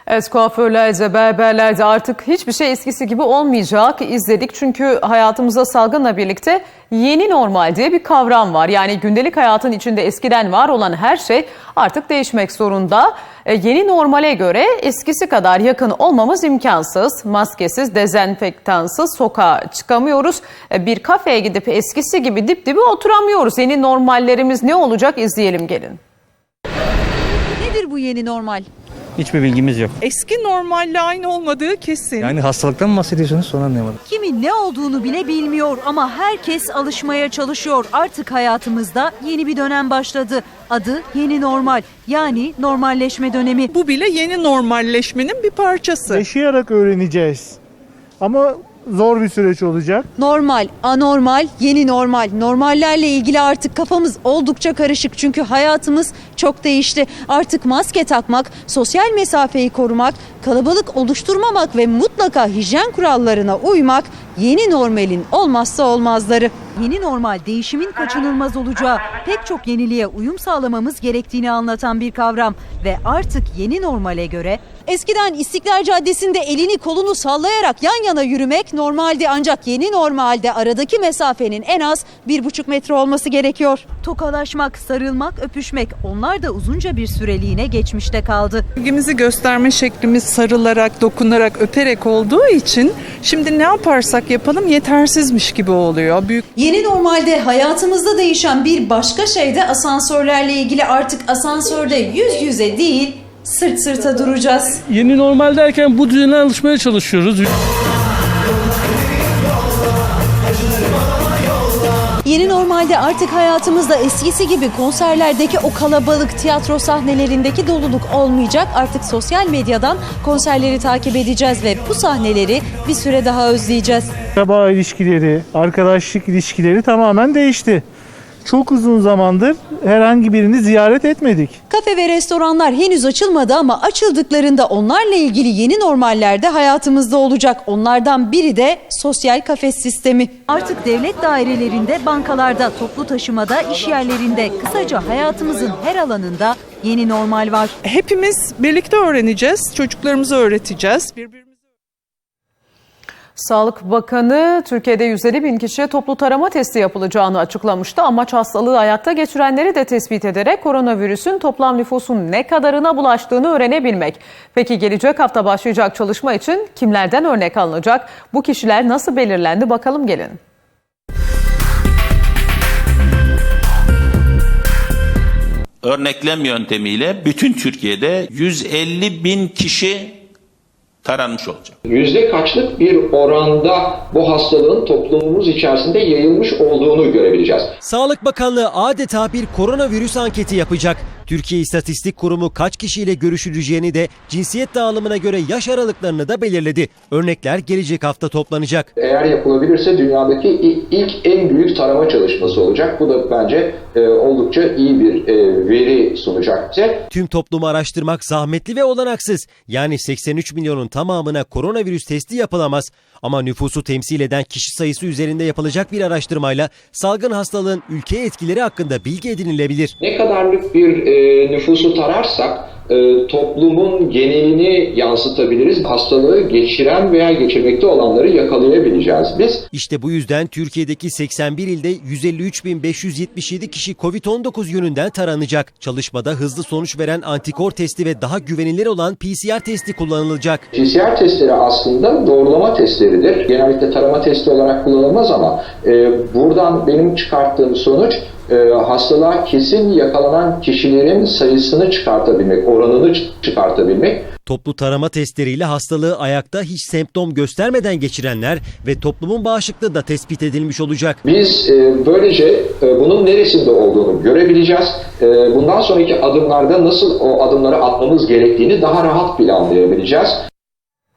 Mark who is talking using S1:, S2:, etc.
S1: Evet, kuaförlerde, berberlerde artık hiçbir şey eskisi gibi olmayacak izledik. Çünkü hayatımıza salgınla birlikte yeni normal diye bir kavram var. Yani gündelik hayatın içinde eskiden var olan her şey artık değişmek zorunda. Yeni normale göre eskisi kadar yakın olmamız imkansız. Maskesiz, dezenfektansız sokağa çıkamıyoruz. Bir kafeye gidip eskisi gibi dip dibe oturamıyoruz. Yeni normallerimiz ne olacak izleyelim gelin.
S2: Nedir bu yeni normal?
S3: Hiçbir bilgimiz yok.
S4: Eski normalle aynı olmadığı kesin.
S3: Yani hastalıktan mı bahsediyorsunuz, sonra anlayamadım.
S2: Kimi ne olduğunu bile bilmiyor ama herkes alışmaya çalışıyor. Artık hayatımızda yeni bir dönem başladı. Adı yeni normal, yani normalleşme dönemi.
S4: Bu bile yeni normalleşmenin bir parçası.
S5: Yaşayarak öğreneceğiz. Ama zor bir süreç olacak.
S2: Normal, anormal, yeni normal. Normallerle ilgili artık kafamız oldukça karışık çünkü hayatımız çok değişti. Artık maske takmak, sosyal mesafeyi korumak, kalabalık oluşturmamak ve mutlaka hijyen kurallarına uymak yeni normalin olmazsa olmazları. Yeni normal değişimin kaçınılmaz olacağı, pek çok yeniliğe uyum sağlamamız gerektiğini anlatan bir kavram ve artık yeni normale göre eskiden İstiklal Caddesi'nde elini kolunu sallayarak yan yana yürümek normaldi, ancak yeni normalde aradaki mesafenin en az 1,5 metre olması gerekiyor. Tokalaşmak, sarılmak, öpüşmek, onlar da uzunca bir süreliğine geçmişte kaldı.
S4: İlgimizi gösterme şeklimiz sarılarak, dokunarak, öperek olduğu için şimdi ne yaparsak yapalım yetersizmiş gibi oluyor.
S2: Yeni normalde hayatımızda değişen bir başka şey de asansörlerle ilgili. Artık asansörde yüz yüze değil, sırt sırta duracağız.
S6: Yeni normal derken bu düzene alışmaya çalışıyoruz.
S2: Yeni normalde artık hayatımızda eskisi gibi konserlerdeki o kalabalık, tiyatro sahnelerindeki doluluk olmayacak. Artık sosyal medyadan konserleri takip edeceğiz ve bu sahneleri bir süre daha özleyeceğiz.
S5: Akraba ilişkileri, arkadaşlık ilişkileri tamamen değişti. Çok uzun zamandır herhangi birini ziyaret etmedik.
S2: Kafe ve restoranlar henüz açılmadı ama açıldıklarında onlarla ilgili yeni normaller de hayatımızda olacak. Onlardan biri de sosyal kafes sistemi. Artık devlet dairelerinde, bankalarda, toplu taşımada, iş yerlerinde, kısaca hayatımızın her alanında yeni normal var.
S4: Hepimiz birlikte öğreneceğiz, çocuklarımıza öğreteceğiz.
S1: Sağlık Bakanı Türkiye'de 150 bin kişiye toplu tarama testi yapılacağını açıklamıştı. Amaç hastalığı hayatta geçirenleri de tespit ederek koronavirüsün toplam nüfusun ne kadarına bulaştığını öğrenebilmek. Peki gelecek hafta başlayacak çalışma için kimlerden örnek alınacak? Bu kişiler nasıl belirlendi? Bakalım gelin.
S7: Örneklem yöntemiyle bütün Türkiye'de 150 bin kişi taranmış olacak.
S8: Yüzde kaçlık bir oranda bu hastalığın toplumumuz içerisinde yayılmış olduğunu görebileceğiz.
S9: Sağlık Bakanlığı adeta bir koronavirüs anketi yapacak. Türkiye İstatistik Kurumu kaç kişiyle görüşüleceğini de cinsiyet dağılımına göre yaş aralıklarını da belirledi. Örnekler gelecek hafta toplanacak.
S8: Eğer yapılabilirse dünyadaki ilk en büyük tarama çalışması olacak. Bu da bence oldukça iyi bir veri sunacak bize.
S9: Tüm toplumu araştırmak zahmetli ve olanaksız. Yani 83 milyonun tamamına koronavirüs testi yapılamaz. Ama nüfusu temsil eden kişi sayısı üzerinde yapılacak bir araştırmayla salgın hastalığın ülkeye etkileri hakkında bilgi edinilebilir.
S8: Ne kadarlık bir nüfusu tararsak toplumun genelini yansıtabiliriz. Hastalığı geçiren veya geçirmekte olanları yakalayabileceğiz biz.
S9: İşte bu yüzden Türkiye'deki 81 ilde 153.577 kişi Covid-19 yönünden taranacak. Çalışmada hızlı sonuç veren antikor testi ve daha güvenilir olan PCR testi kullanılacak.
S8: PCR testleri aslında doğrulama testleridir. Genellikle tarama testi olarak kullanılmaz ama buradan benim çıkarttığım sonuç hastalığa kesin yakalanan kişilerin sayısını çıkartabilmek, oranını çıkartabilmek.
S9: Toplu tarama testleriyle hastalığı ayakta hiç semptom göstermeden geçirenler ve toplumun bağışıklığı da tespit edilmiş olacak.
S8: Biz böylece bunun neresinde olduğunu görebileceğiz. Bundan sonraki adımlarda nasıl o adımları atmamız gerektiğini daha rahat planlayabileceğiz.